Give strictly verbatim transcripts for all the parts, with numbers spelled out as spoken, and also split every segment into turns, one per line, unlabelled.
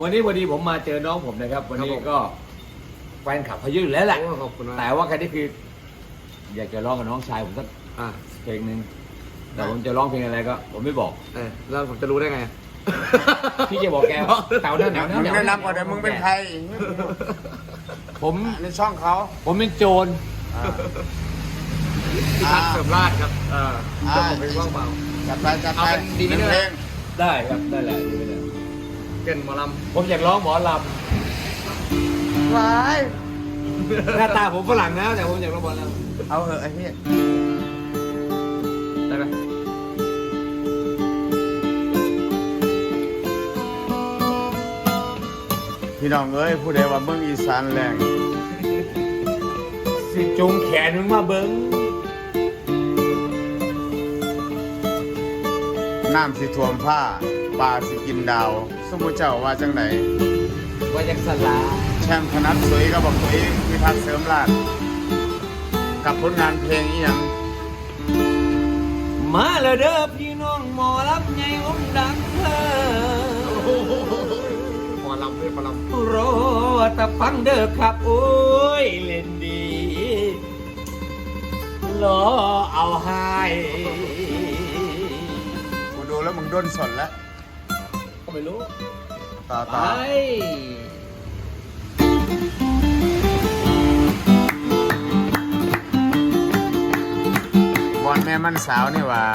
วันนี้พอดีผมมาเจอน้องผมนะครับวันนี้ก็แฟนคลับเขาเยอะอยู่แล้วแหละแต่ว่าแค่นี้คืออยากจะร้องกับน้องชายผมสักเพลงหนึ่งแต่ผมจะร้องเพลงอะไรก็ผมไม่บอก
เออแล้วผมจะรู้ได้ไง
พี่จะบอกแกแถวนั้นแถวนั้น
แนะนำก่อนเดี๋ยวมึงเป็นใคร
ผม
ในช่องเขา
ผมเป็นโจร
พิทักษ์เสริมราชครับอ่าจะผมเป็นว่างเปล่า
จัดไปจัดไป
ดีนี่เพลง
ได้ครับได้แหละดีไปเลย
เก่นหมอลำ
ผมอยากร้องหมอล
ำว้าย
หน้าตาผมฝรั่งนะแต่ผมอยากร้องหมอล
ำเอาเหอะไอ้พี่
ได้ไหม
พี่น้องเอ้ยผู้ใดว่าเมืองอีสานแรง
สิจุงแขนมึงมาเบิ้ง
น้ำสิท่วมผ้าปลาสิกินดาวสมมุติเจ้าว่าจังไหน
ว่าจากสลา
แชมป์ธนัดสวยก็บอกตัวเองพิทักษ์เสริมราชกับผลงานเพลงอีหยัง
มาเลยเด้อพี่น้องหมอลำใหญ่องค์ดังเธอ
หมอลำเพื่อนหมอลำ
รอแต่ฟังเด้อครับโอ้ยเล่นดีรอเอาให้
กูดูแล้วมึงด้นสนแล้ว
ก็ไม่รู้
ต่อต่อวันแม่มันสาวนี่ว่า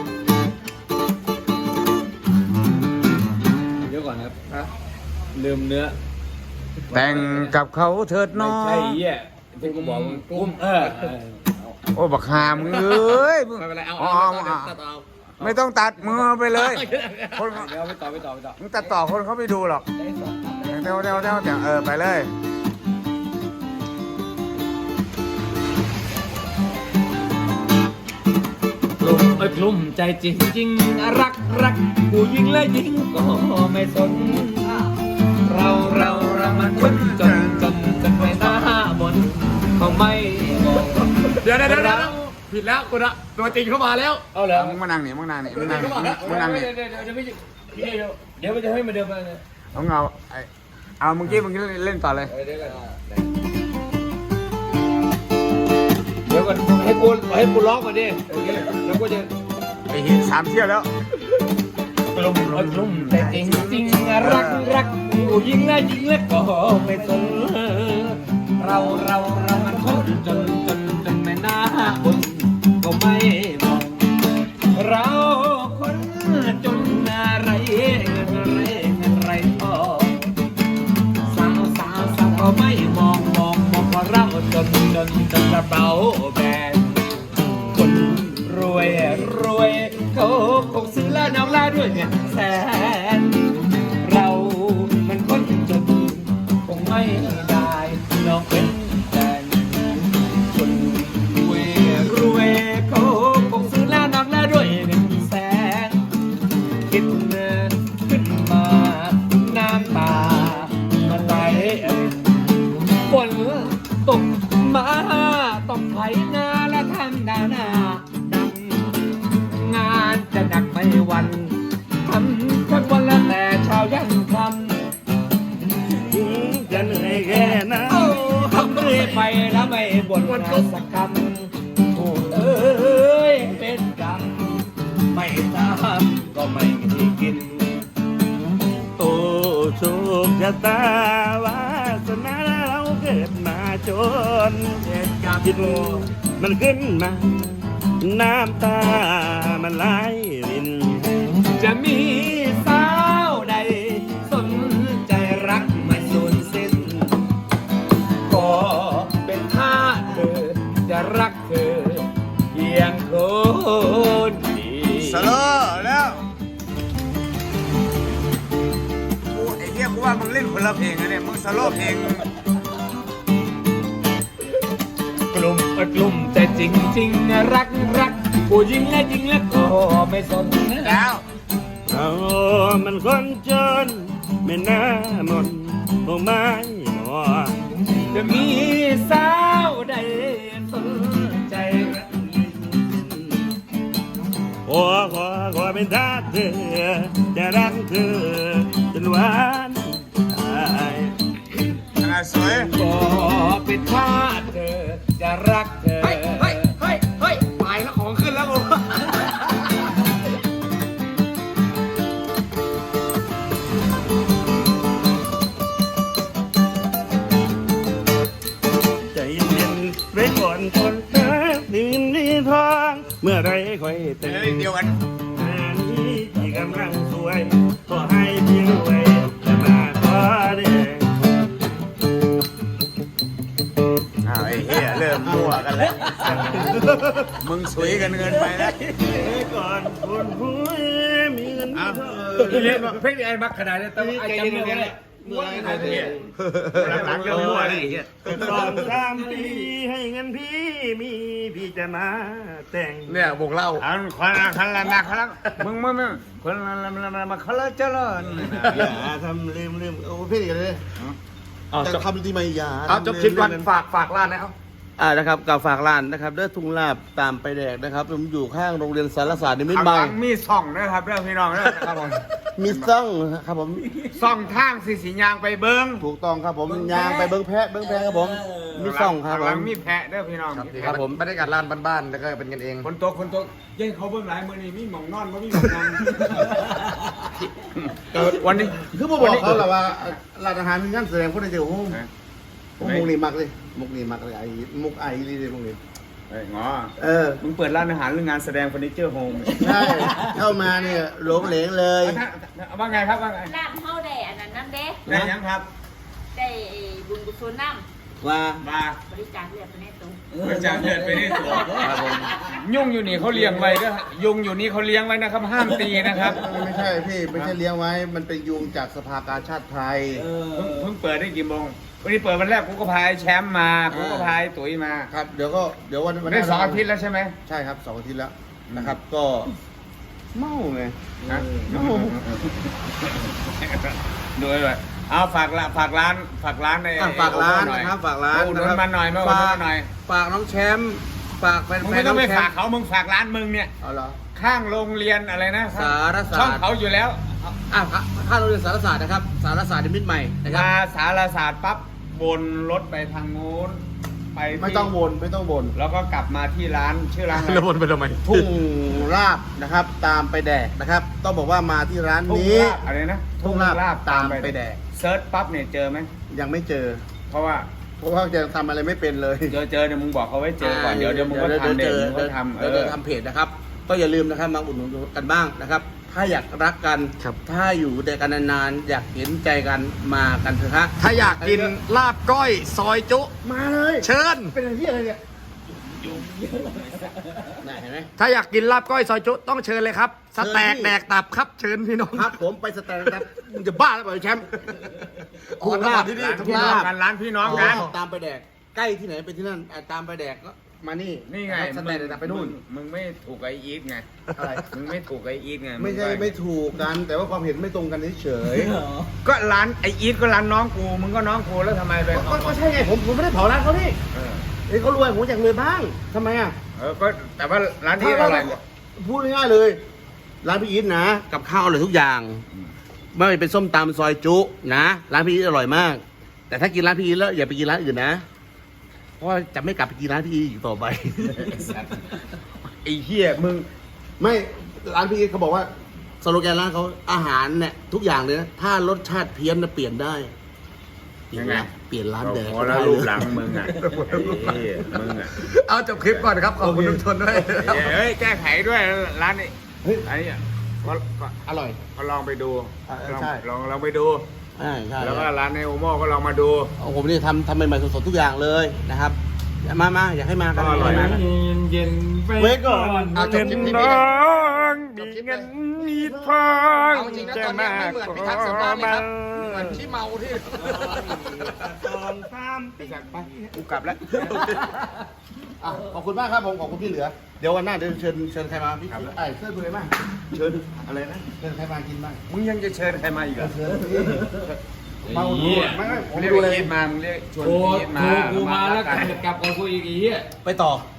เดี๋ยวก่อนครับนะลืมเนื้อ
แต่งกับเขาเถิดน้อง
ไม่ใช่เหี้ยที่กูบอกมึงกุ้มเออ
โอ้บักหามึงเอ้ย
ไม่เป็นไรเอา
เอาไม่ต้องตัดมือไปเลย
คนเดี๋ยวไปต่อไปต่อไปต่อ
มึงตัดต่อคนเขาไม่ดูหรอกเดี๋ยวเดี๋ยวเดี๋ยวเดี๋ยวเออไปเลย
กลุ่มเอ้ยกลุ่มใจจริงจริงรักรักผู้หญิงและหญิงก็ไม่สนเราเราเรามันคนจนจนจนไปหน้าบนเขาไม่บอก
เดี๋ยวเดี๋ยวเดี๋ยวผิดแล้วคุณอะตัวจริงเข้ามาแล้ว
เอาเหรอ
มึงมานั่งนี่มึงนั่งนี่มึงนั่งนี่มึงนั่งนี่
เดี๋ยวเดี๋ยวเดี๋ยวเดี๋ยวมันจะให้มาเดิมมาเลย
เอาเงาเอาเมื่อกี้มึงเล่นต่อเลย
เดี๋ยวก่อนให้กูให้กูร้องก่อนดิโอเคแล้วก็จะ
ไอ้หินสามเที่ยวแล้ว
กลุ่มกลุ่มแต่จริงจริงรักรักผู้หญิงและหญิงและก็ไม่สนเราเราเรามันคนจนจนจนไม่น่าบุญก็ไม่บอกเราคนจนอะไรเงินอะไรเงินไรพอสาวสาวสาวก็ไม่มองมองมองเพราะเราจนจนจนกระเป๋าแบนคนรวยรวยเขาคงซื้อละน้องละด้วยเงินแสนเรามันคนจนคงไม่ได้ลองเป็นแฟนคนรวยรวยเขาคงซื้อละน้องละด้วยเงินแสนคิดขึ้นมาน้ำตามันไหลฝนตกมาต้องไถนาและทำนานาดังงานจะหนักไม่วันทำทั้งวันและแต่เช้ายันค่ำ
จะเหนื่อยแค่ไหน
ทำเรื่อยไปแล้วไม่บ่นสักคำโอ้เอ้ยเป็นกรรมไม่ทำก็ไม่มีกิน
โอ้โชคชะตาวาสนาเราเกิดมาจนคิดมันขึ้นมาน้ำตามันไหลริน
จะมีสาวใดสนใจรักไม่สูญสิ้นก็เป็นท่าเธอจะรักเธอเพียงคนเดียว
สโลแล้วกูไอ้เหี้ยกูว่ามึงเล่นคนละเพลงนะเนี่ยมึงสโลเพลง
กลุ่มกลุ่มแต่จริงจริงรักรักผู้หญิงและหญิงและก็ไม่สน
แล้ว
เอามันคนจนไม่น่าหมดคงไม่หมด
จะมีสาวใดสนใจรัก
ขอขอขอเป็นท่าเธอจะรักเธอจนวัน
ถ้าเธอจะรักเธอ
เฮ้ยเฮ้ยเฮ้ยเฮ้ยไปแล้วของขึ้นแล้วผม
ใจเย็นไว้ก่อนคนรักดินดีทองเมื่อไรค่อยเตือ
เฮ้ย
น
เดียวกัน
งานนี้ที่กำลังสวยขอให้เพียงไว้จะมาขอเด้ง
อ้าวไอ้เหี้ยเริ่มมั่วกันแล้ว มึงสวยกันเงินไปแล้ว
ไว้ก่อนคนผู้มีเงินมีทอง
พี่เลี้ยงเพลงไอ้มักขนาดนี้แต่ว่าไอ้จำเนื้อไม่ได้
เมื่อไร
หลังๆเริ่มมั่วแล้วไอ้เหี้ย
สองสามปีให้เงินพี่มีพี่จะมาแต่ง
เนี่ยวงเล่าอันคนละคนละนะคนละมึงมึงมึงคนละละละมาคนละเจริญ
อย่าทำลืมลืมโอ้พี่กันเลยจะทำดีไหมอย่า
เอาจบคลิปก่อนฝากฝากร้านนะเอา
อ่านะครับกับฝากร้านนะครับเด้อทุ่งลาบตามไปแดกนะครับผมอยู่ข้างโรงเรียนสารศาสตร์นิมิต
ข้าง
ให
ห
ม่
ลังมีส่องนะครับเรื่องพี่น้องนะครับผม
มีซ่องครับผม
ส่องทางสีสียางไปเบิ้ง
ถูกต้องครับผมยางไปเบิ้งแพะเบิ้งแพะครับผมมีซ่องครับผ
หลัง
ม
มีแพะเด้อพี่น้อง
ครับผม
บรรยากาศร้านบ้านๆแล้วก็เป็นกันเอง
คนโตคนโตยัยเขาเบิ้งหลายมือนี่มีหมองนอนบ่มีหมองนั่งวันนี้
คือผมบอกเขาแหละว่าร้านอาหารมีงานแสดงคนในเดียวผมผมมุกนี่มักเลยมุกนี่มักเลยไอ้มุกไอ้นี่เลยมุกนี่
เฮ้ยงอ
เออ
มึงเปิดร้านอาหารหรืองานแสดงเฟอร์นิเจอร์โฮม
ใช่เข้ามาเนี่ยหลงเหลงเลย
ว่าไงครับว่าไง
ลาบเฮาได้อันนั้นนั่นเด้
ได้ยังครับ
ได้บุญกุศลน้
ว่า
มา
ำบริจาคเลือดไปในตัว
บริจาคเลือดไปนี่ตัวยุ่งอยู่นี่เขาเลี้ยงไว้ด้วยยุงอยู่นี่เขาเลี้ยงไว้นะครับ ห้ามตีนะครับ
ไม่ใช่พี่ไม่ใช่เลี้ยงไว้มันเป็นยุงจากสภากาชาติไทย
เพิ่งเพิ่งเปิดได้กี่โมงวันนี้เปิดวันแรกกูก็พายแชมป์มากูก็พายตุ๋ยมา
ครับเดี๋ยวก็เดี๋ยววันวันห
ได้
น้า
สองอาทิตย์แล้วใช่ไหม
ใช่ครับสองอาทิตย์แล้วนะครับ ก็เมาไง
นะ ดูเลยเอาฝากละฝากร้านฝากร้านใน
อ่ะฝากร้านนะครับฝากร้าน
อุดห
นะ
นุ
คน รับ
มาหน่อยมาอุดหนุน
ฝาก
มาหน่อย
ฝากน้องแชมป์ฝากแฟน
มึง
ๆ
ไม่ต้องไป
น้แช
ฝาก
ป์
เขามึงฝากร้านมึงเนี่ย
เอาเหรอ
ข้างโรงเรียนอะไรนะ
สารศาสตร์
ช่องเขาอยู่แล้ว
อ่ะข้าโรงเรียนสารศาสตร์นะครับ สารศาสตร์นิมิตรใหม่นะครับ
มาสารศาสตร์ปั๊บวนรถไปทางนู้นไปที่
ไม่ต้องวนไม่ต้องวน
แล้วก็กลับมาที่ร้านชื่อร้านอะไร
แล้ววนไปทำไม
ทุ่งลาบนะครับ ตามไปแดกนะครับ ต้องบอกว่ามาที่ร้าน
ทุ่ง
นี้
ลาบอะไรนะ
ทุ่งลาบตามไปแดก
เซิร์ชปั๊บเนี่ยเจอไหม
ยังไม่เจอ
เพราะว่า
เพราะว่าจะทำอะไรไม่เป็นเลย
เจอเจอเดี๋ยวมึงบอกเขาไว้เจอก่อนเดี๋ยวเดี๋ยวมึงก็ทำเดี๋ยวมึงก็ทำเอ
เดี๋ยว
อ
จะทำเพจนะครับ ก็อย่าลืมนะครับมาอุดหนุนกันบ้างนะครับ ถ้าอยากรักกัน
ครับ
ถ้าอยู่ด้วยกันนานๆอยากเห็นใจกันมากันเถอะฮะ
ถ้าอยากกินลาบก้อยซอยจุ
มาเลย
เชิญ
เป็นอะไรที่อะไรเนี่ยน่ะเห็นไหม
ถ้าอยากกินลาบก้อยซอยจุต้องเชิญเลยครับสแต็กแดกตับครับเชิญพี่น้อง
ครับผมไปสแตนครับมึงจะบ้าแล้วเปล่าไอ้แชมป์
อ๋อ
ทุ่งลาบ
ที่นี่
ร้านพี่น้องกันร้านพี่น้องกัน
ตามไปแดกใกล้ที่ไหนไปที่นั่นอ่ะตามไปแดกก็มานี่
นี่ไง
สแตนด์ไปนู่น
มึงไม่ถูกไออีทไง
อะไร
มึงไม่ถูกไออีทไง
ไม่ใช่
งป
ไม่ถูกกัน แต่ว่าความเห็นไม่ตรงกันเฉย
ก็ร้านไออีทก็ร้านน้องกูมึงก็น้องกูแล้วทำไมไป
ๆก็ก็ใช่ไงผมผมไม่ได้เผาร้านเขานี่
เออ
เอ้ยเขารวยผมอยากรวยบ้างทำไมอ่ะ
เออก็แต่ว่าร้านที่อร่อย
พูดง่ายๆเลย ร้านพี่อีทนะ กับข้าวอร่อยทุกอย่าง ไม่ว่าจะเป็นส้มตำซอยจุนะร้านพี่อีทอร่อยมาก แต่ถ้ากินร้านพี่อีทแล้วอย่าไปกินร้านอื่นนะ เพราะว่าจะไม่กลับไปกินร้านพี่อีทอีกต่อไป
ไอ้เหี้ยมึง
ไม่ร้านพี่อีทเขาบอกว่าสโลแกนร้านเขาอาหารเนี่ยทุกอย่างเลยนะถ้ารสชาติเพี้ยนนะเปลี่ยนได้เปลี่ยนร้านเปลี่ยนร้านแดก
โอ้
ก็
แล้
ได้
ว
เล
รูป
ย
หลังมึงอ่ะไอ้เหี้ยมึงอ่ะ
เอาจบคลิปก่อนครับขอบคุณทุกคนด้วย
เฮ้ยแก้ไขด้วยร้านนี้
เฮ้ย
อันนี้ก็ก็
อร่อย
ก็ลองไปดู
อ่า
ลอง
ใช่
ลองลองไปดู
ใช่ใช่
แล้วก็ร้านในโอโม่ก็ลองมาดู
เอาผมนี่ทำทำใหม่ๆสดๆทุกอย่างเลยนะครับมามาอยากให้มากัน
อร่อย
มา
นะ
เย็นๆไป
เว้ยก่อน
เอาจบคลิปนี้
น้
เลย
องมีเงินมีทอง
เอาจริงนะตอนนี้ไม่เหมือนพิทักษ์เสริมบ้านเลยครับเหมือนขี้เมาที่
สองสามปี
ไป
กูกลับแล้ว
อ่ะขอบคุณมากครับผมขอบคุณพี่เหลือ เดี๋ยววันหน้าเดี๋ยวเชิญเชิญใครมาพี่ไอ้เชิญคุณเลยมาเชิญอะไรนะเชิญใครมากินบ้าง
มึงยังจะเชิญใครมาอีกเหรอ
เชิญพี่มาอุดหนุ
เหี้ย
นไม่ไม่ผม
เรียก
ดู
ไอ้
เลย
อีทมามึงเรียกชวน
โอ้
ไอ้อีทมา
กูมาแล้วกลับกลับกับกูอีกไอ้เหี้ย
ไปต่อ
ไ